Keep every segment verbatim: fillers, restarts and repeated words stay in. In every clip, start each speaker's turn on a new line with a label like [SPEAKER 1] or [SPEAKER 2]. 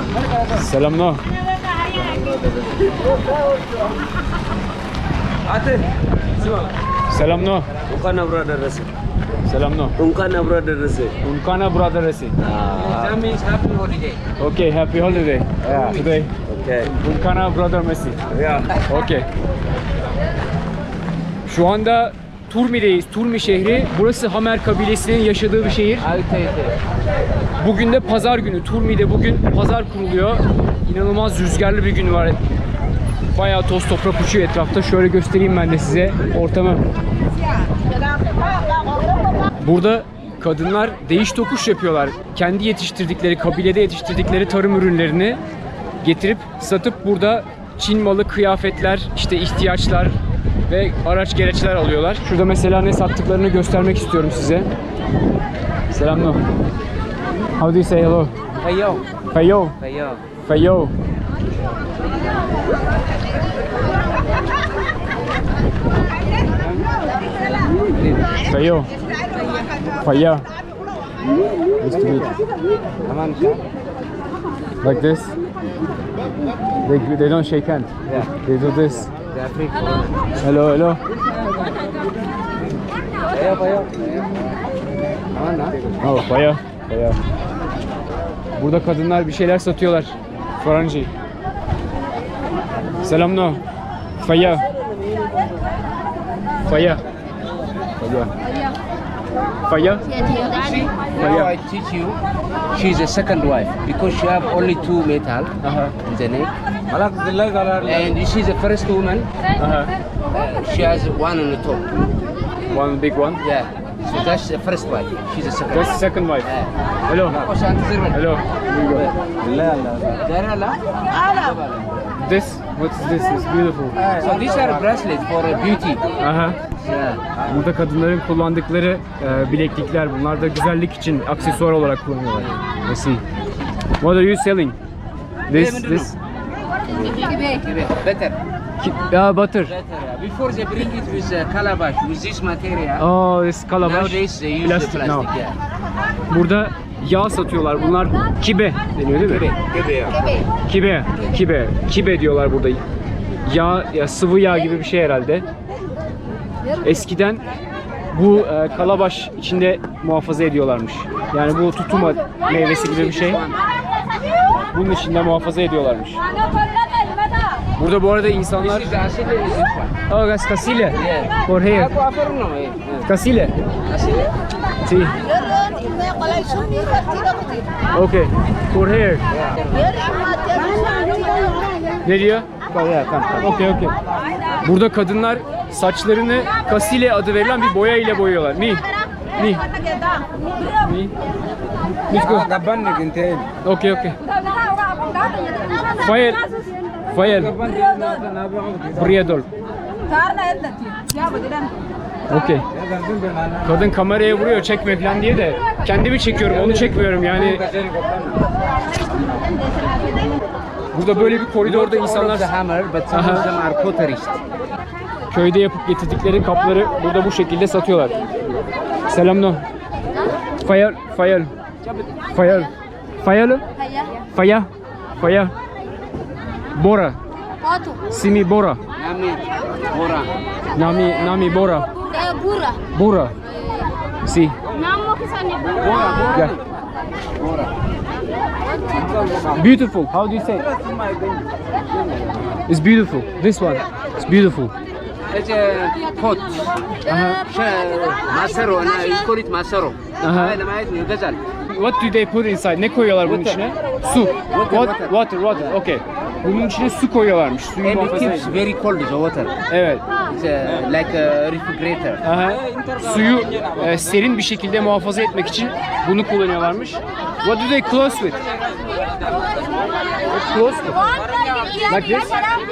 [SPEAKER 1] Selam no.
[SPEAKER 2] Ate,
[SPEAKER 1] Selam no.
[SPEAKER 2] Unkana brother resi.
[SPEAKER 1] Selam no.
[SPEAKER 2] Unkana brother resi.
[SPEAKER 1] Unkana brother resi.
[SPEAKER 2] That means happy holiday.
[SPEAKER 1] Okay, happy holiday.
[SPEAKER 2] Yeah.
[SPEAKER 1] Today.
[SPEAKER 2] Okay.
[SPEAKER 1] Unkana brother Messi.
[SPEAKER 2] Yeah.
[SPEAKER 1] Okay. Şu anda Turmi'deyiz. Turmi şehri. Burası Hamer kabilesinin yaşadığı bir şehir. Bugün de pazar günü. Turmi'de bugün pazar kuruluyor. İnanılmaz rüzgarlı bir gün var. Bayağı toz toprak uçuyor etrafta. Şöyle göstereyim ben de size ortamı. Burada kadınlar değiş tokuş yapıyorlar. Kendi yetiştirdikleri, kabilede yetiştirdikleri tarım ürünlerini getirip satıp burada Çin malı kıyafetler, işte ihtiyaçlar ve araç gereçler alıyorlar. Şurada mesela ne sattıklarını göstermek istiyorum size. Selam no. How do you say hello?
[SPEAKER 2] Fayo.
[SPEAKER 1] Fayo.
[SPEAKER 2] Fayo.
[SPEAKER 1] Fayo. Fayo. Faya. Nice to meet you. Like this. They, they don't shake hands.
[SPEAKER 2] Yeah.
[SPEAKER 1] They do this.
[SPEAKER 2] They are free.
[SPEAKER 1] Hello, hello.
[SPEAKER 2] Fayo, fayo. Aman ha.
[SPEAKER 1] Oh, faya. Faya. Burada kadınlar bir şeyler satıyorlar. Faranji. Selam no. Faya. Faya. Faya. Faya.
[SPEAKER 2] Now I teach you. She's a second wife because she have only two metal
[SPEAKER 1] Aha.
[SPEAKER 2] in the neck. And this is the first woman.
[SPEAKER 1] Aha.
[SPEAKER 2] Uh, she has one on the top.
[SPEAKER 1] One big one.
[SPEAKER 2] Yeah. So that's the first wife. She's the second.
[SPEAKER 1] That's the second wife.
[SPEAKER 2] Yeah.
[SPEAKER 1] Hello.
[SPEAKER 2] Oh, Shanti Zirwan.
[SPEAKER 1] Hello. Here you go.
[SPEAKER 2] There Allah.
[SPEAKER 1] This, what's this? It's beautiful.
[SPEAKER 2] So these are bracelets for uh, beauty.
[SPEAKER 1] Aha.
[SPEAKER 2] Yeah.
[SPEAKER 1] Burada kadınların kullandıkları e, bileklikler. Bunlar da güzellik için aksesuar olarak kullanıyorlar. Let's see. What are you selling? This, this.
[SPEAKER 2] Better.
[SPEAKER 1] Yeah, butter.
[SPEAKER 2] Better. Before they bring it with uh, calabash, with this material.
[SPEAKER 1] Oh, this calabash.
[SPEAKER 2] Nowadays they use
[SPEAKER 1] Plastic
[SPEAKER 2] the plastic.
[SPEAKER 1] now.
[SPEAKER 2] Yeah.
[SPEAKER 1] Burada yağ satıyorlar. Bunlar kibe deniyor değil mi? Kibe. Kibe. Kibe diyorlar burada. Yağ, ya sıvı yağ gibi bir şey herhalde. Eskiden bu e, kalabaş içinde muhafaza ediyorlarmış. Yani bu tutuma meyvesi gibi bir şey. Bunun içinde muhafaza ediyorlarmış. Burada bu arada insanlar...
[SPEAKER 2] This is acid and this one.
[SPEAKER 1] Oh, that's casile.
[SPEAKER 2] Yeah.
[SPEAKER 1] For here.
[SPEAKER 2] Aku offer no, eh.
[SPEAKER 1] Casile.
[SPEAKER 2] Acid.
[SPEAKER 1] Sí. Okay. For here. Ne diyor? Okay, okay. Burada kadınlar saçlarını kasile adı verilen bir boya ile boyuyorlar. Mi? Mi? Mi? Let's go. Okay, okay. Fayel. Fayel. Briadol. Okay. Kadın kameraya vuruyor çekme falan diye de kendimi çekiyorum, onu çekmiyorum yani. Burada böyle bir koridorda insanlar köyde yapıp getirdikleri kapları burada bu şekilde satıyorlar. Selam no. Fayal, fayal. Fayal. Fayal. Faya. Faya. Bora. Simi Bora.
[SPEAKER 2] Nami Bora.
[SPEAKER 1] Nami Nami Bora.
[SPEAKER 3] Bura.
[SPEAKER 1] Bora. Si.
[SPEAKER 3] Namo kisani
[SPEAKER 2] Bora, Bora.
[SPEAKER 1] Yeah.
[SPEAKER 2] Bora.
[SPEAKER 1] Beautiful. How do you say? It's beautiful. This one. It's beautiful.
[SPEAKER 2] It's a pot.
[SPEAKER 1] Uh-huh.
[SPEAKER 2] Masaro, and you call it masaro.
[SPEAKER 1] Aha. What do they put inside? Ne koyuyorlar bunun içine? Su. What? Water, water. Okay. Bunun içine su koyuyorlarmış. Suyu
[SPEAKER 2] And it
[SPEAKER 1] muhafaza
[SPEAKER 2] keeps
[SPEAKER 1] ediyor.
[SPEAKER 2] very cold, the water.
[SPEAKER 1] Evet.
[SPEAKER 2] It's uh, like a refrigerator.
[SPEAKER 1] Aha. Suyu e, serin bir şekilde muhafaza etmek için bunu kullanıyorlarmış. What do they close with? Close with? Like this?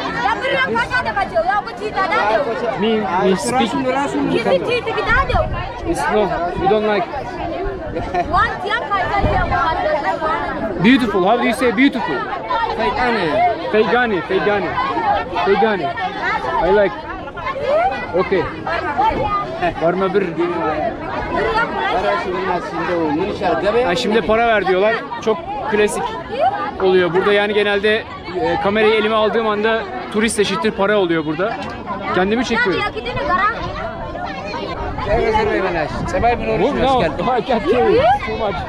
[SPEAKER 1] Me, me speak. It's no, you don't like. Beautiful. How do you say beautiful? Feygani, Feygani, Feygani. I like. Okay. Var mı bir? Ha, şimdi para ver diyorlar. Çok klasik. oluyor burada. Yani genelde e, kamerayı elime aldığım anda turist eşittir para oluyor burada. Kendimi çekiyorum. Move now. I can't carry too much.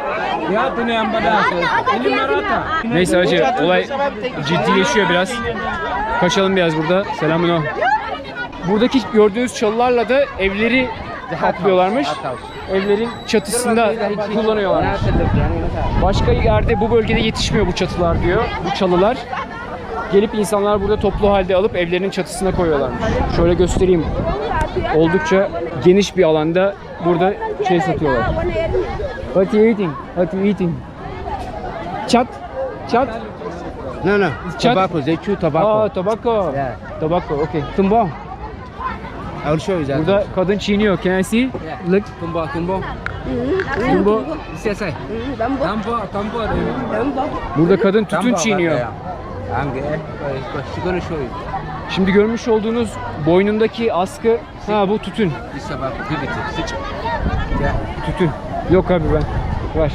[SPEAKER 1] Neyse hacı, olay ciddileşiyor biraz. Kaçalım biraz burada. Selamün. Buradaki gördüğünüz çalılarla da evleri kaplıyorlarmış. Evlerin çatısında kullanıyorlarmış. Başka yerde bu bölgede yetişmiyor bu çatılar diyor. Bu çalılar. Gelip insanlar burada toplu halde alıp evlerinin çatısına koyuyorlarmış. Şöyle göstereyim. Oldukça geniş bir alanda burada şey satıyorlar. What you eating? What you eating? Chat? Chat?
[SPEAKER 2] No, no.
[SPEAKER 1] Chat?
[SPEAKER 2] Tobacco. They chew tobacco.
[SPEAKER 1] Aa, tobacco.
[SPEAKER 2] Yeah.
[SPEAKER 1] Tobacco, okay.
[SPEAKER 2] Tumbong. I will show you that.
[SPEAKER 1] Burada kadın çiğniyor. Can I see? Look.
[SPEAKER 2] Tumbong, tumbong.
[SPEAKER 1] Tumbo.
[SPEAKER 2] Say, say. Tampo, tampo.
[SPEAKER 1] Burada kadın tütün çiğniyor.
[SPEAKER 2] She's gonna show you.
[SPEAKER 1] Şimdi görmüş olduğunuz boynundaki askı, ha bu tütün.
[SPEAKER 2] This about give it. Sit. Yeah.
[SPEAKER 1] Tütün. Yok abi ben. Var.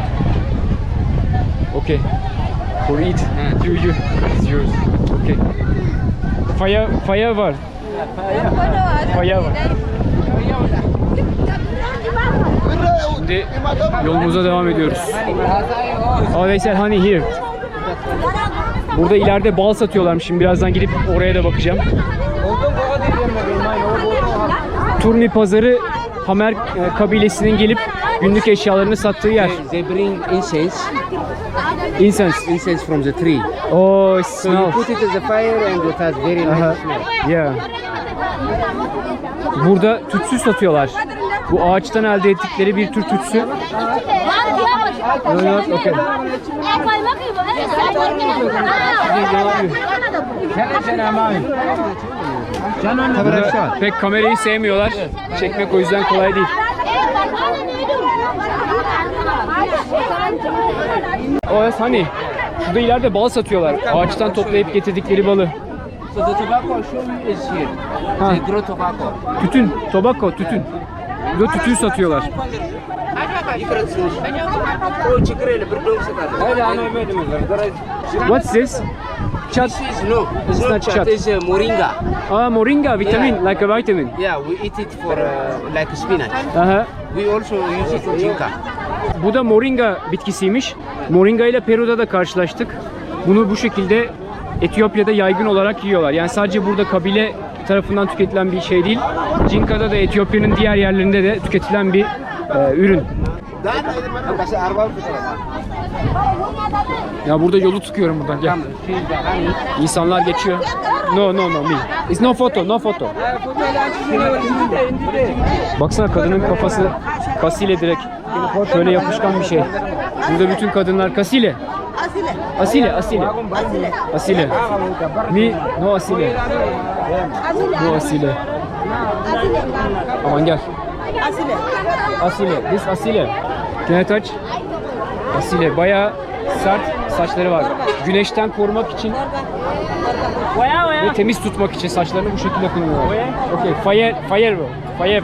[SPEAKER 1] Okay. For eat. You, you. It's yours. Okay. Faya, faya var. Faya var. Şimdi yolumuza devam ediyoruz. Oh, they said honey here. Burada ileride bal satıyorlarmış. Şimdi birazdan gidip oraya da bakacağım. Turmi pazarı Hamer e, kabilesinin gelip günlük eşyalarını sattığı yer.
[SPEAKER 2] They bring incense.
[SPEAKER 1] Incense.
[SPEAKER 2] Incense from the tree.
[SPEAKER 1] Oh, it
[SPEAKER 2] So you
[SPEAKER 1] smells.
[SPEAKER 2] put it in the fire and it has very nice
[SPEAKER 1] Aha.
[SPEAKER 2] smell.
[SPEAKER 1] Yeah. Burada tütsü satıyorlar. Bu ağaçtan elde ettikleri bir tür tütsü. No, not okay. Burada pek kamerayı sevmiyorlar. Çekmek o yüzden kolay değil. Oh, yes, honey. Şurada ileride bal satıyorlar. Ağaçtan toplayıp getirdikleri balı.
[SPEAKER 2] So the tobacco I show you is here.
[SPEAKER 1] Ha.
[SPEAKER 2] They grow tobacco.
[SPEAKER 1] Tütün, tobacco, tütün. Burada tütün satıyorlar.
[SPEAKER 2] Oh, chikrele, berdong sekali.
[SPEAKER 1] What's this? Chat.
[SPEAKER 2] This is no, it's
[SPEAKER 1] It's
[SPEAKER 2] not
[SPEAKER 1] not
[SPEAKER 2] chat.
[SPEAKER 1] chat.
[SPEAKER 2] It's uh, moringa.
[SPEAKER 1] Ah, moringa, vitamin, like a vitamin.
[SPEAKER 2] Yeah, we eat it for uh, like spinach.
[SPEAKER 1] Aha.
[SPEAKER 2] We also use it for jinka.
[SPEAKER 1] Bu da moringa bitkisiymiş. Moringa ile Peru'da da karşılaştık. Bunu bu şekilde Etiyopya'da yaygın olarak yiyorlar. Yani sadece burada kabile tarafından tüketilen bir şey değil. Cinka'da da Etiyopya'nın diğer yerlerinde de tüketilen bir e, ürün. Ya burada yolu tıkıyorum buradan. Gel. İnsanlar geçiyor. No no no me. It's no photo, no photo. Baksana kadının kafası kasile direkt. Şöyle yapışkan bir şey. Burada bütün kadınlar kasile. Asile, asile. Asile. Me, no asile. No asile. Aman gel. Asile. This asile. Can I touch? Asile. Bayağı sert saçları var. Güneşten korumak için ve temiz tutmak için saçlarını bu şekilde kullanıyorlar. Okay. Fire, fire, fire.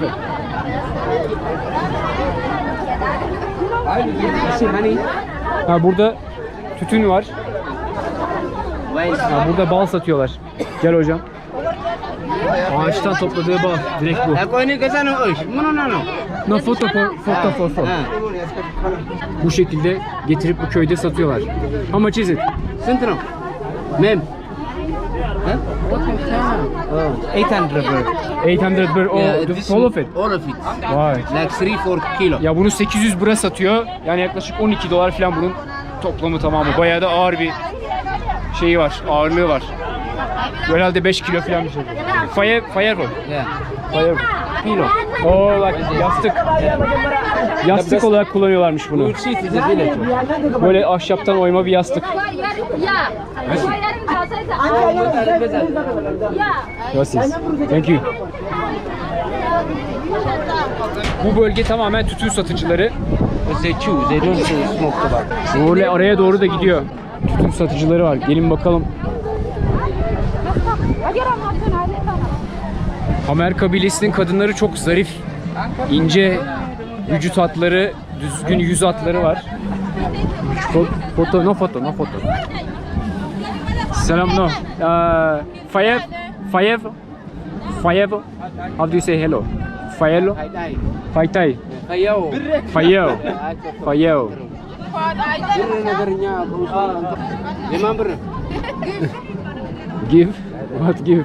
[SPEAKER 1] Ha, burada tütün var. Ha, burada bal satıyorlar. Gel hocam. Ağaçtan topladığı bal. Direkt bu. No foto for, foto for, for. Bu şekilde getirip bu köyde satıyorlar. How much is it?
[SPEAKER 2] Centro. Mem. eight hundred birr.
[SPEAKER 1] eight hundred birr. Oh,
[SPEAKER 2] Yeah,
[SPEAKER 1] the
[SPEAKER 2] this
[SPEAKER 1] all of it.
[SPEAKER 2] All of it.
[SPEAKER 1] Vay.
[SPEAKER 2] Like three, four kilo.
[SPEAKER 1] Ya bunu sekiz yüz bira satıyor. Yani yaklaşık on iki dolar falan bunun toplamı tamamı. Bayağı da ağır bir şeyi var. Ağırlığı var. Herhalde beş kilo falan bir şey. Fire, fireball.
[SPEAKER 2] Yeah.
[SPEAKER 1] Fire.
[SPEAKER 2] Kilo.
[SPEAKER 1] Oh, like yastık. Yastık olarak kullanıyorlarmış bunu.
[SPEAKER 2] You see it is a village.
[SPEAKER 1] Böyle ahşaptan oyma bir yastık. Gracias. Thank you. Bu bölge tamamen tütün satıcıları.
[SPEAKER 2] They chew. They don't smoke tobacco.
[SPEAKER 1] Böyle araya doğru da gidiyor. Tütün satıcıları var. Gelin bakalım. Hamer kabilesinin kadınları çok zarif, ince vücut hatları, düzgün yüz hatları var. Fo- Foto, no foto, no foto. Selam, no. Uh, Fayev, Fayev, Fayev. How do you say hello? Fayelo?
[SPEAKER 2] Hai.
[SPEAKER 1] Faytay.
[SPEAKER 2] Kayo.
[SPEAKER 1] Fayev. Fayev.
[SPEAKER 2] Bir negarnya berusaha. Lima ber.
[SPEAKER 1] Give? What give?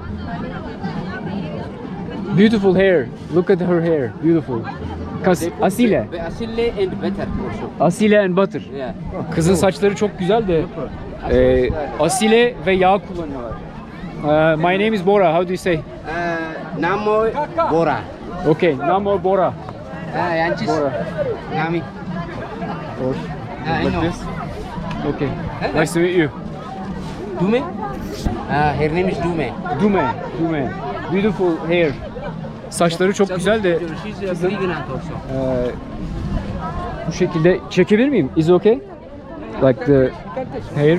[SPEAKER 1] Beautiful hair. Look at her hair. Beautiful. Kas Asile.
[SPEAKER 2] Asile and better also.
[SPEAKER 1] Asile and butter.
[SPEAKER 2] Yeah.
[SPEAKER 1] Kızın saçları çok güzel de e, asile ve yağ kullanıyorlar. Uh, my name is Bora. How do you say?
[SPEAKER 2] Uh, namo Bora.
[SPEAKER 1] Okay. Namo Bora.
[SPEAKER 2] Ah, yancis.
[SPEAKER 1] Bora.
[SPEAKER 2] Nami.
[SPEAKER 1] Or
[SPEAKER 2] Ah, I
[SPEAKER 1] like
[SPEAKER 2] know.
[SPEAKER 1] this. Okay. Nice to meet you.
[SPEAKER 2] Dume? Ah, her name is Dume.
[SPEAKER 1] Dume. Dume. Beautiful hair. Saçları çok güzel de
[SPEAKER 2] She's a pregnant also.
[SPEAKER 1] e, bu şekilde çekebilir miyim? Is it okay? Like the hair.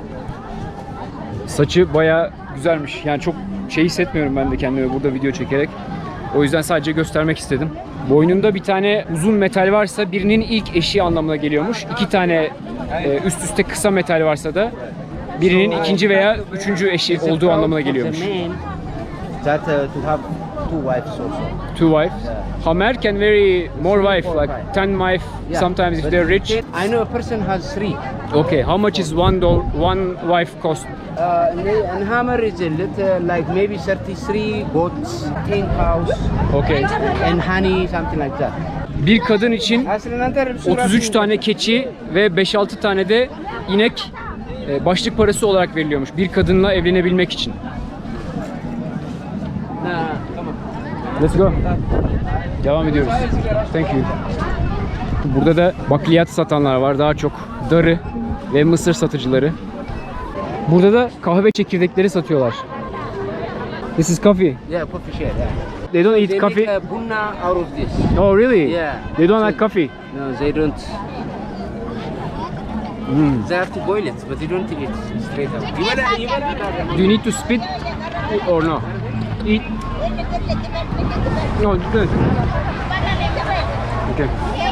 [SPEAKER 1] Saçı baya güzelmiş. Yani çok şey hissetmiyorum ben de kendime burada video çekerek. O yüzden sadece göstermek istedim. Boynunda bir tane uzun metal varsa birinin ilk eşi anlamına geliyormuş. İki tane e, üst üste kısa metal varsa da birinin ikinci veya üçüncü eşi olduğu anlamına geliyormuş.
[SPEAKER 2] That uh, to have two wives also.
[SPEAKER 1] Two wives. Hamer can marry more wife, like ten wife sometimes if they're rich.
[SPEAKER 2] I know a person has three.
[SPEAKER 1] Okay, how much is one doll, one wife cost?
[SPEAKER 2] Uh, and hammer is a little like maybe thirty-three goats, ten cows,
[SPEAKER 1] Okay.
[SPEAKER 2] and honey, something like that.
[SPEAKER 1] Bir kadın için otuz üç tane keçi ve beş altı tane de inek e, başlık parası olarak veriliyormuş bir kadınla evlenebilmek için. Let's go. Devam ediyoruz. Thank you. Burada da bakliyat satanlar var. Daha çok darı ve mısır satıcıları. Burada da kahve çekirdekleri satıyorlar. This is coffee.
[SPEAKER 2] Yeah, coffee share. Yeah.
[SPEAKER 1] They don't eat
[SPEAKER 2] They
[SPEAKER 1] coffee.
[SPEAKER 2] make uh, bunna out of this.
[SPEAKER 1] Oh really?
[SPEAKER 2] Yeah.
[SPEAKER 1] They don't
[SPEAKER 2] So-
[SPEAKER 1] like coffee.
[SPEAKER 2] No, they don't.
[SPEAKER 1] Mm.
[SPEAKER 2] They have to boil it, but they don't eat it straight up. You wanna, you wanna,
[SPEAKER 1] Do you need to spit or no? Eat. No, good. Okay.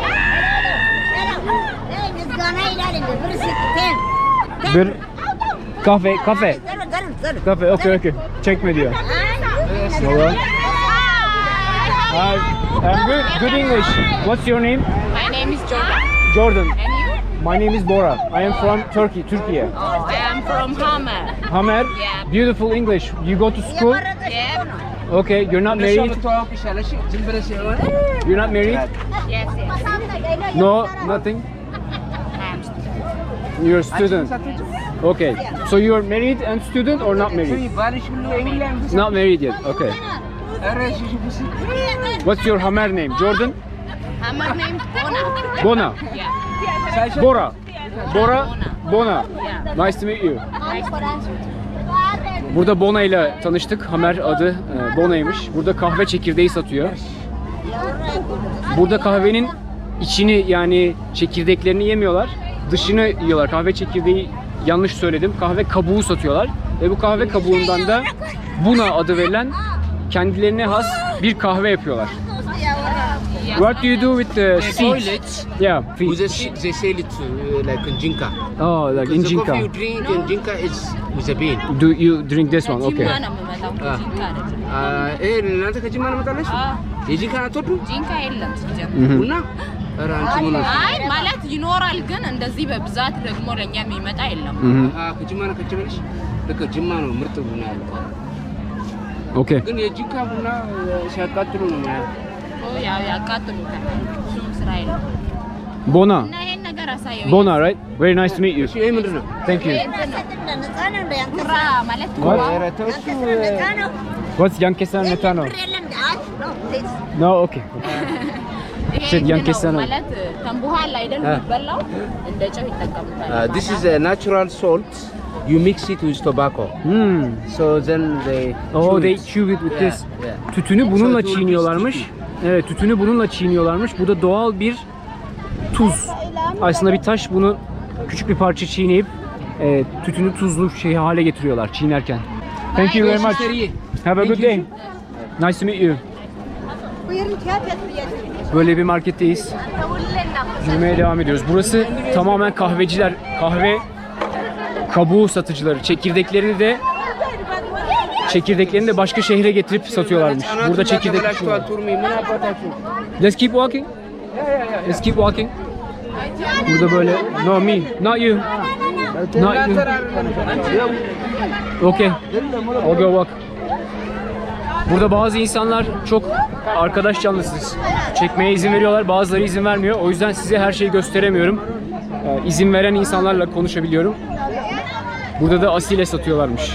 [SPEAKER 1] Bir kahve, kahve. Kahve, okay, okay. Çekme diyor. Valla. Hi, I'm good, good English. What's your name?
[SPEAKER 3] My name is Jordan.
[SPEAKER 1] Jordan.
[SPEAKER 3] And you?
[SPEAKER 1] My name is Bora. I am from Turkey, Turkey.
[SPEAKER 3] I am from Hama.
[SPEAKER 1] Hamer.
[SPEAKER 3] Yeah.
[SPEAKER 1] Beautiful English. You go to school?
[SPEAKER 3] Yeah.
[SPEAKER 1] Okay, you're not married? You're not married?
[SPEAKER 3] Yes, yes.
[SPEAKER 1] No, nothing?
[SPEAKER 3] I'm
[SPEAKER 1] You're a student. Okay. So you're married and student or not married? Not married yet. Okay. What's your Hamer name? Jordan?
[SPEAKER 3] Hama name Bona.
[SPEAKER 1] Bona.
[SPEAKER 3] Yeah.
[SPEAKER 1] Bora. Bora. Bona. Nice to meet you. Burada Bona ile tanıştık. Hamer adı e, Bona'ymış. Burada kahve çekirdeği satıyor. Burada kahvenin içini yani çekirdeklerini yemiyorlar. Dışını yiyorlar. Kahve çekirdeği yanlış söyledim. Kahve kabuğu satıyorlar. Ve bu kahve kabuğundan da Buna adı verilen kendilerine has bir kahve yapıyorlar. What do you do with the
[SPEAKER 2] Boil
[SPEAKER 1] seeds?
[SPEAKER 2] it.
[SPEAKER 1] Yeah,
[SPEAKER 2] With the
[SPEAKER 1] fish.
[SPEAKER 2] seed, they sell it uh, like in jinka.
[SPEAKER 1] Oh, like
[SPEAKER 2] Because the coffee you
[SPEAKER 1] injinka.
[SPEAKER 2] drink in jinka is with a bean.
[SPEAKER 1] Do you drink this one? Okay.
[SPEAKER 3] Jimma nama mata jinka da jinka.
[SPEAKER 2] Ah, eh, እናንተ ከጅማ ነው መጣለሽ?
[SPEAKER 3] Ah,
[SPEAKER 2] የጂንካ አትወዱ?
[SPEAKER 3] jinka የለም ሲጀምር።
[SPEAKER 1] Mhm.
[SPEAKER 2] ቡና? ኧረ አንቺ ምን ሆነሽ?
[SPEAKER 3] አይ ማለት ይኖራል ግን እንደዚህ በብዛት ደግሞ ለኛ የሚመጣ የለም።
[SPEAKER 1] Mhm.
[SPEAKER 2] Ah, ከጅማ ነው ከች ብለሽ? ልክ ጅማ ነው ምርጥ ቡና ያለው።
[SPEAKER 1] Okay.
[SPEAKER 2] ግን የጂንካ ቡና ሲያቃጥሉ ነው ማለት።
[SPEAKER 3] ኦ ያው ያቃጥሉታል። እሱም ስራ የለም።
[SPEAKER 1] Bona.
[SPEAKER 3] እና ይሄን ነገር አሳየው።
[SPEAKER 1] Bona, right? Very nice to meet you.
[SPEAKER 2] እሺ ይሄ ምንድን ነው?
[SPEAKER 1] Thank you.
[SPEAKER 3] ኩራ ማለት
[SPEAKER 1] What?
[SPEAKER 2] ኧረ ተው እሱ
[SPEAKER 1] What's Yankesa Metano? No, okay.
[SPEAKER 3] ይሄ
[SPEAKER 1] Shit,
[SPEAKER 3] እንትን
[SPEAKER 1] ያንኪሳ
[SPEAKER 3] ነው
[SPEAKER 1] ነው።
[SPEAKER 3] ማለት ተንቡሃል አይደል
[SPEAKER 2] አ።
[SPEAKER 3] የሚበላው እንደ ጨው ይጠቀሙታል።
[SPEAKER 2] Uh, this is a natural salt. You mix it with tobacco.
[SPEAKER 1] Hmm.
[SPEAKER 2] So then they
[SPEAKER 1] Oh,
[SPEAKER 2] chew
[SPEAKER 1] they
[SPEAKER 2] it.
[SPEAKER 1] chew it with
[SPEAKER 2] Yeah,
[SPEAKER 1] this.
[SPEAKER 2] yeah.
[SPEAKER 1] Tütünü bununla
[SPEAKER 2] So it will be
[SPEAKER 1] çiğniyorlarmış. Evet, tütünü bununla çiğniyorlarmış. Bu da doğal bir tuz. Aslında bir taş, bunu küçük bir parça çiğneyip e, tütünü tuzlu şey hale getiriyorlar çiğnerken. Thank you very much.
[SPEAKER 2] Müşteriyi.
[SPEAKER 1] Have a
[SPEAKER 2] Thank
[SPEAKER 1] good
[SPEAKER 2] you.
[SPEAKER 1] day. Nice to meet you.
[SPEAKER 4] Buyurun kağıt yatırıyor.
[SPEAKER 1] Böyle bir marketteyiz. Yürümeye devam ediyoruz. Burası tamamen kahveciler, kahve kabuğu satıcıları. Çekirdeklerini de çekirdeklerini de başka şehre getirip satıyorlarmış. Burada çekirdek. Let's keep walking. Let's keep walking. Burada böyle no me, not you. Not you. Okay. I'll go walk. Burada bazı insanlar çok arkadaş canlısı. Çekmeye izin veriyorlar, bazıları izin vermiyor. O yüzden size her şeyi gösteremiyorum. Ee, izin veren insanlarla konuşabiliyorum. Burada da asile satıyorlarmış.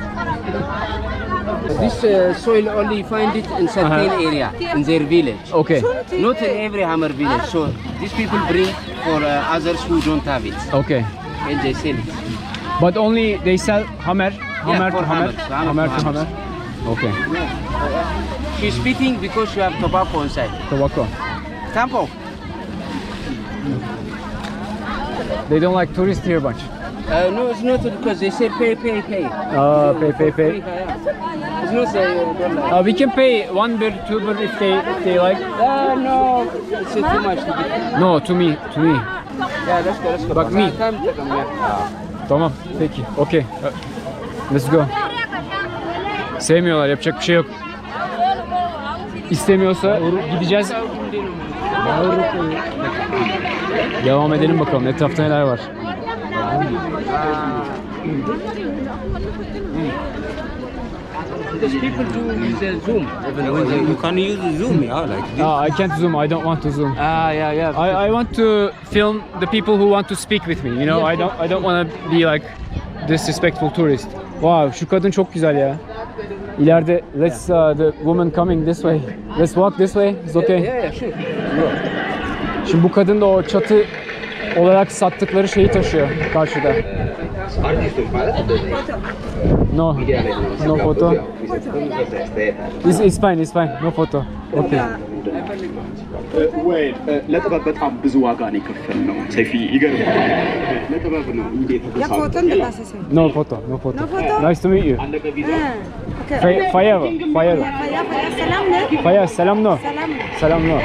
[SPEAKER 2] This uh, soil only find it in certain
[SPEAKER 1] Uh-huh.
[SPEAKER 2] area in their village.
[SPEAKER 1] Okay.
[SPEAKER 2] Not in every Hammer village. So these people bring for uh, others who don't have it,
[SPEAKER 1] Okay.
[SPEAKER 2] and they sell it.
[SPEAKER 1] But only they sell hammer, hammer
[SPEAKER 2] for
[SPEAKER 1] to hammer,
[SPEAKER 2] hammer,
[SPEAKER 1] hammer
[SPEAKER 2] hammer
[SPEAKER 1] to
[SPEAKER 2] to
[SPEAKER 1] hammer. Okay.
[SPEAKER 2] She's spitting because you have tobacco inside.
[SPEAKER 1] Tobacco.
[SPEAKER 2] Tampo.
[SPEAKER 1] They don't like tourists here much.
[SPEAKER 2] Uh, no, it's not because they say pay, pay, pay.
[SPEAKER 1] Ah, pay, pay, pay.
[SPEAKER 2] It's not say uh, don't like.
[SPEAKER 1] Uh, we can pay one bir, two bir if they if they like.
[SPEAKER 2] Uh, no, it's too much to be.
[SPEAKER 1] No, to me, to me.
[SPEAKER 2] Yeah, let's go, let's go.
[SPEAKER 1] Bak me.
[SPEAKER 2] Come, come, yeah.
[SPEAKER 1] Tamam, peki. Okay. Uh, Let's go. Sevmiyorlar, yapacak bir şey yok. İstemiyorsa gideceğiz. Devam edelim bakalım etrafta neler var.
[SPEAKER 2] Because people do use uh, Zoom. Even when they,
[SPEAKER 4] You can use Zoom, yeah, like this.
[SPEAKER 1] Ah, I can't zoom. I don't want to zoom.
[SPEAKER 2] ah, yeah, yeah.
[SPEAKER 1] I, I want to film the people who want to speak with me. You know, I don't I don't want to be like disrespectful tourist. Wow, şu kadın çok güzel ya. İleride let's uh, the woman coming this way. Let's walk this way. It's okay.
[SPEAKER 2] Yeah, yeah, sure.
[SPEAKER 1] Şimdi bu kadın da o çatı olarak sattıkları şeyi taşıyor karşıda. No. No photo. It's, it's fine, it's fine. No photo. Okay.
[SPEAKER 5] ወይ ለጥበብ በጣም ብዙ ዋጋ ነው የከፈልነው። ሰይፊ ይገርማል። ለጥበብ ነው እንዴት ተሳሰ
[SPEAKER 1] No photo, no photo.
[SPEAKER 6] No photo?
[SPEAKER 1] Nice to meet you.
[SPEAKER 5] አለቀ ቪዛ
[SPEAKER 1] Fay- Fayeva, Fayeva.
[SPEAKER 6] Faya, faya, selam ne?
[SPEAKER 1] Fayeva, selam no.
[SPEAKER 6] Selam.
[SPEAKER 1] Selam no.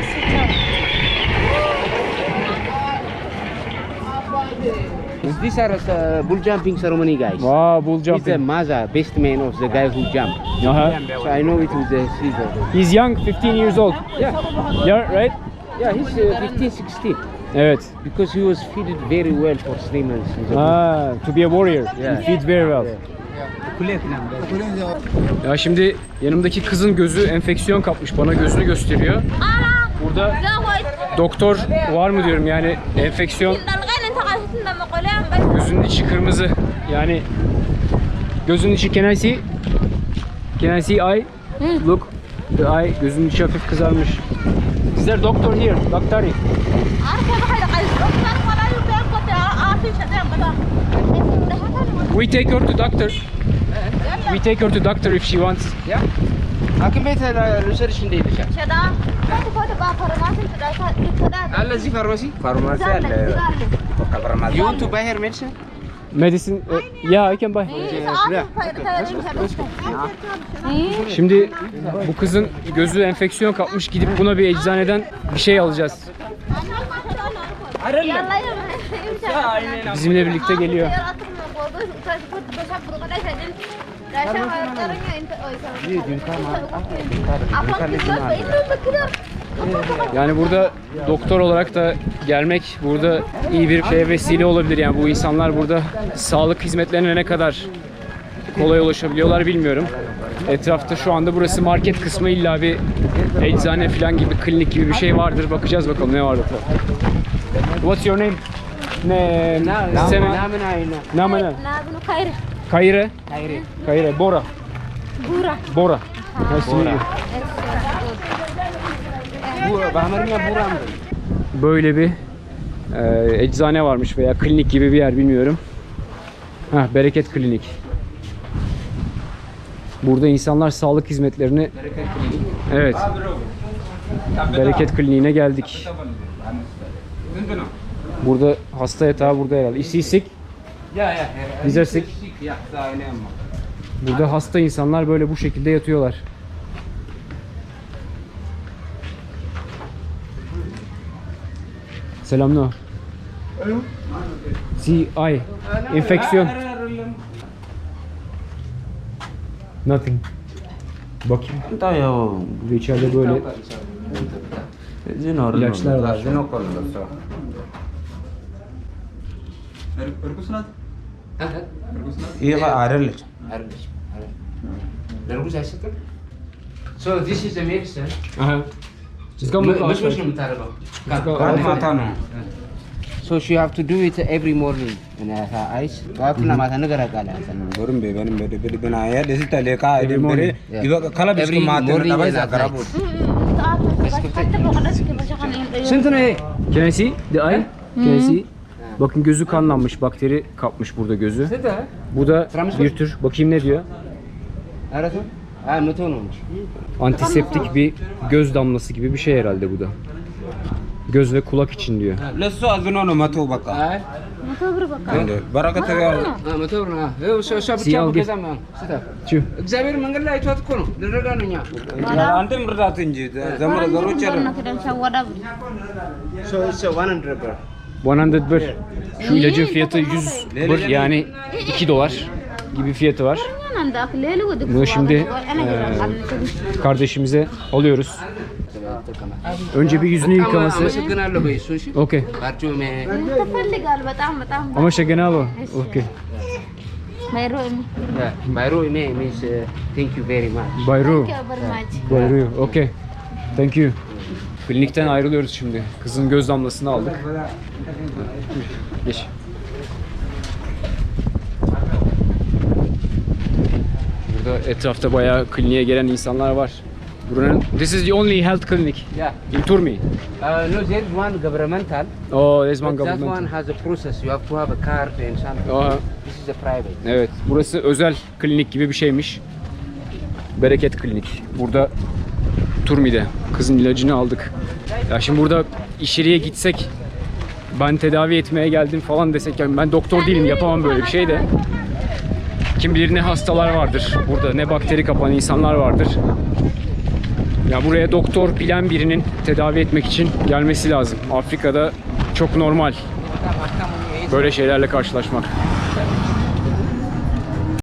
[SPEAKER 2] These are uh, bull jumping ceremony guys.
[SPEAKER 1] Wow, bull
[SPEAKER 2] He's the
[SPEAKER 1] jumping.
[SPEAKER 2] Maza, best man of the guy who jumped.
[SPEAKER 1] Uh-huh.
[SPEAKER 2] So I know it was the Caesar.
[SPEAKER 1] He's young, fifteen years old.
[SPEAKER 2] Yeah,
[SPEAKER 1] Yeah, right?
[SPEAKER 2] yeah, he's uh, fifteen, sixteen.
[SPEAKER 1] Evet.
[SPEAKER 2] Because he was fed very well for three months. in the bush.
[SPEAKER 1] Ah, to be a warrior.
[SPEAKER 2] Yeah.
[SPEAKER 1] He feeds very well. Ya şimdi yanımdaki kızın gözü enfeksiyon kapmış. Bana gözünü gösteriyor. Burada doktor var mı diyorum yani enfeksiyon. Gözünün içi kırmızı. Yani gözünün içi can I see? Can I see eye? Look. The eye. Gözünün içi hafif kızarmış. Is there doctor here? Doctor. We take her to doctor. We take her to doctor if she wants.
[SPEAKER 2] Yeah. Hakim Bey uh, research እንደሄደች አለ እዚህ ፋርማሲ
[SPEAKER 4] ፋርማሲ አለ። በቃ ፋርማሲ
[SPEAKER 2] You want to buy her medicine?
[SPEAKER 1] Medicine. Uh, yeah, I can buy. Şimdi bu kızın gözü enfeksiyon kapmış. Gidip buna bir eczaneden bir şey alacağız. Bizimle birlikte geliyor. Yani burada doktor olarak da gelmek burada iyi bir şeye vesile olabilir. Yani bu insanlar burada sağlık hizmetlerine ne kadar kolay ulaşabiliyorlar bilmiyorum. Etrafta şu anda burası market kısmı, illa bir eczane falan gibi, klinik gibi bir şey vardır. Bakacağız bakalım ne var etrafta. What's your name? Ne? Seme?
[SPEAKER 2] ምናምን አይነ
[SPEAKER 1] Namene? Kayre? Kayre. Bora. Bora. Nice to meet you.
[SPEAKER 2] በአማርኛ ቡራ ነው።
[SPEAKER 1] Böyle bir e, eczane varmış veya klinik gibi bir yer, bilmiyorum. Heh, Bereket Klinik. Burada insanlar sağlık hizmetlerini... Evet. Bereket Kliniğine geldik. Burada hasta yatağı burada herhalde. Is he sick?
[SPEAKER 2] Ya ya.
[SPEAKER 1] Is he sick?
[SPEAKER 2] Ya sahine ama.
[SPEAKER 1] Burada hasta insanlar böyle bu şekilde yatıyorlar. Selam no. Si ay. Enfeksiyon. Nothing. Bakayım.
[SPEAKER 4] Tahu ya.
[SPEAKER 1] Burada içeride böyle
[SPEAKER 4] Zino.
[SPEAKER 1] İlaçlar var.
[SPEAKER 4] Zino kolon. Iya Pak, ada lah.
[SPEAKER 2] So this is the medicine.
[SPEAKER 1] aha. Ska mı
[SPEAKER 2] Mı- mı- mı tarafa?
[SPEAKER 4] Kan mata no.
[SPEAKER 2] So she have to do it every morning in her eyes. Waktu mata negara kala.
[SPEAKER 4] Burun be benim bede bede bena ya desi tale ka edem bere.
[SPEAKER 2] Yeah.
[SPEAKER 4] Iba kala bis
[SPEAKER 2] Every
[SPEAKER 4] mata
[SPEAKER 2] morning
[SPEAKER 4] na
[SPEAKER 2] and
[SPEAKER 4] baisa
[SPEAKER 2] at
[SPEAKER 4] karabut.
[SPEAKER 1] Can I see the eye? Can I see? Bakın gözü kanlanmış, bakteri kapmış burada gözü.
[SPEAKER 2] Seda.
[SPEAKER 1] Bu da bir tür, bakayım ne diyor?
[SPEAKER 2] Ada tu? Ah, betul olmuş.
[SPEAKER 1] Antiseptik bir göz damlası gibi bir şey herhalde bu da. Göz ve kulak için diyor.
[SPEAKER 4] Lesu azno no matu baka.
[SPEAKER 2] Ah,
[SPEAKER 4] Ende barakat ya.
[SPEAKER 2] ah betul nah. Eh, so so
[SPEAKER 1] Si
[SPEAKER 2] bicara
[SPEAKER 1] Algi.
[SPEAKER 2] ke zaman. Seda.
[SPEAKER 1] Tüh.
[SPEAKER 2] እግዚአብሔር መንገድ ላይ አይቷት እኮ ነው ልረዳ ነው እኛ
[SPEAKER 4] Ante murdat inji. Zamra zaru cher.
[SPEAKER 2] so it's a one hundred bro.
[SPEAKER 1] yüz bir. Şu ilacın fiyatı yüz bir, yani iki dolar gibi fiyatı var. Bunu şimdi eee, kardeşimize alıyoruz. Önce bir yüzünü yıkaması.
[SPEAKER 2] አመሰግናለሁ በይ እሱ እሺ
[SPEAKER 1] Okey.
[SPEAKER 2] ባርጩሜ
[SPEAKER 6] ትፈልጋል በጣም በጣም
[SPEAKER 1] Ama şegenalo. Okey.
[SPEAKER 6] ባይሮ
[SPEAKER 2] ባይሮ ሜ ሚንስ ቴንክ ዩ ቬሪ ማች
[SPEAKER 1] Bayru.
[SPEAKER 6] በርማች
[SPEAKER 1] Bayru. Okey. Thank you. Klinikten ayrılıyoruz şimdi. Kızın göz damlasını aldık. Geç. Burada etrafta bayağı kliniğe gelen insanlar var. Buranın This is the only health clinic
[SPEAKER 2] Yeah.
[SPEAKER 1] in Turmi.
[SPEAKER 2] Uh, no, there is one governmental.
[SPEAKER 1] Oh, there's one
[SPEAKER 2] But that one
[SPEAKER 1] government.
[SPEAKER 2] has a process. You have to have a card and something.
[SPEAKER 1] Aha.
[SPEAKER 2] This is a private.
[SPEAKER 1] Evet, burası özel klinik gibi bir şeymiş. Bereket Klinik. Burada Turmi'de kızın ilacını aldık. Ya şimdi burada içeriye gitsek, ben tedavi etmeye geldim falan desek, yani ben doktor değilim, yapamam böyle bir şey de. Kim bilir ne hastalar vardır burada, ne bakteri kapan insanlar vardır. Ya buraya doktor bilen birinin tedavi etmek için gelmesi lazım. Afrika'da çok normal böyle şeylerle karşılaşmak.